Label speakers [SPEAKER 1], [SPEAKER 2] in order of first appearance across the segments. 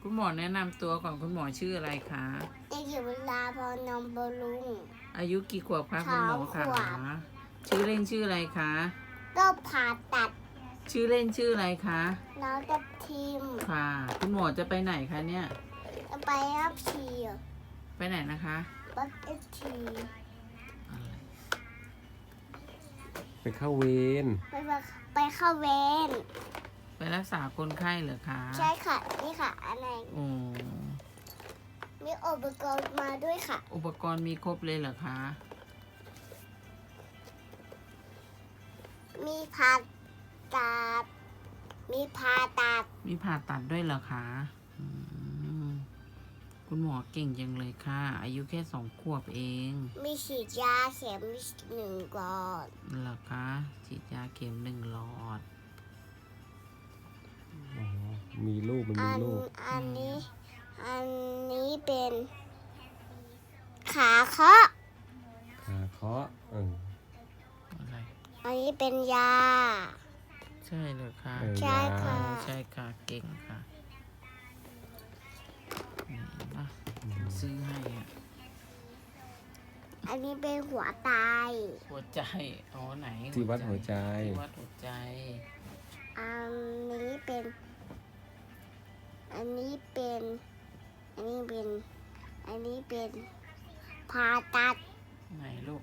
[SPEAKER 1] คุณหมอแนะนำตัวก่อนคุณหมอชื่ออะไรคะ
[SPEAKER 2] เด็กหญิงเวลาพรนมบำรุง
[SPEAKER 1] อายุกี่ขวบคะคุณหมอ
[SPEAKER 2] 3 ข
[SPEAKER 1] คะ
[SPEAKER 2] วบ
[SPEAKER 1] ชื่อเล่นชื่ออะไรคะ
[SPEAKER 2] ก็ผ่าตัด
[SPEAKER 1] ชื่อเล่นชื่ออะไรคะ
[SPEAKER 2] น้องกับทีม
[SPEAKER 1] ค่ะ คุณหมอจะไปไหนคะเนี่ย
[SPEAKER 2] จะไปรับฉี
[SPEAKER 1] ไปไหนนะคะ
[SPEAKER 2] รับเอฟที
[SPEAKER 1] อะไร
[SPEAKER 3] ไปเข้าเวร
[SPEAKER 2] ไปเข้าเวร
[SPEAKER 1] ไปรักษาคนไข้เหรอคะ
[SPEAKER 2] ใช่ค่ะ นี่ค่ะอะไร
[SPEAKER 1] โอ้
[SPEAKER 2] มีอุปกรณ์มาด้วยค่ะ
[SPEAKER 1] อุปกรณ์มีครบเลยเหรอคะ
[SPEAKER 2] มีผ่าตัด มีผ่าตัด
[SPEAKER 1] มีผ่าตัดด้วยเหรอคะอืมคุณหมอเก่งจังเลยค่ะ อายุแค่2 ขวบเอง
[SPEAKER 2] มีฉีดยาเข็ม1 ก่อน
[SPEAKER 1] เหรอคะฉีดยาเข็ม1 หลอด
[SPEAKER 3] อ๋อมีลูกมันมีลูก
[SPEAKER 2] อันนี้เป็นขาเคาะ
[SPEAKER 3] ขาเคาะ
[SPEAKER 1] อะไร
[SPEAKER 2] อันนี้เป็นยา
[SPEAKER 1] ใช่เลยค่ะ
[SPEAKER 2] ใช่ค่ะ
[SPEAKER 1] ใช่ค่ะ เก่งค่ะนี่นะซื้อให้อะ
[SPEAKER 2] อันนี้เป็นหัวไต
[SPEAKER 1] หัวใจอ๋อไหน
[SPEAKER 3] ที่วัดหัวใจ
[SPEAKER 1] ที่วัดหัวใจ
[SPEAKER 2] อันนี้เป็น อันนี้เป็นผ่าตัด
[SPEAKER 1] ไหนลูก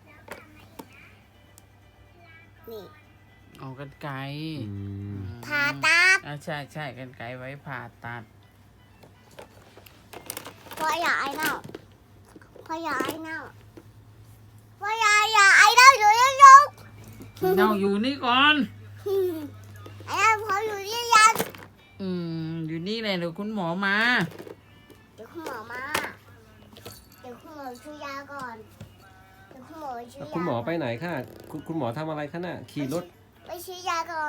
[SPEAKER 2] นี่
[SPEAKER 1] เอากันไกร
[SPEAKER 3] อืม
[SPEAKER 2] ผ่าตัด
[SPEAKER 1] ใช่ใช่กันไกรไว้ผ่าตัด
[SPEAKER 2] พ่ออย่าไอเน่าพ่ออย่าไอเน่าพ่ออย่าไอเน่าอยู่ยังยัง
[SPEAKER 1] เน่าอยู่นี่ก่อน
[SPEAKER 2] ไอเน่าพออยู่ยัง
[SPEAKER 1] อยู่นี่เลยเดี๋ยวคุณหมอมา
[SPEAKER 2] เดี๋ยวคุณหมอมา เดี๋ยวคุณหมอช่วยยาก่อน เดี๋ยวคุณหมอช่วยยา
[SPEAKER 3] คุณหมอไปไหนคะคุณหมอทำอะไรคะน่ะขี่รถ
[SPEAKER 2] ไปช่วยยาก่อน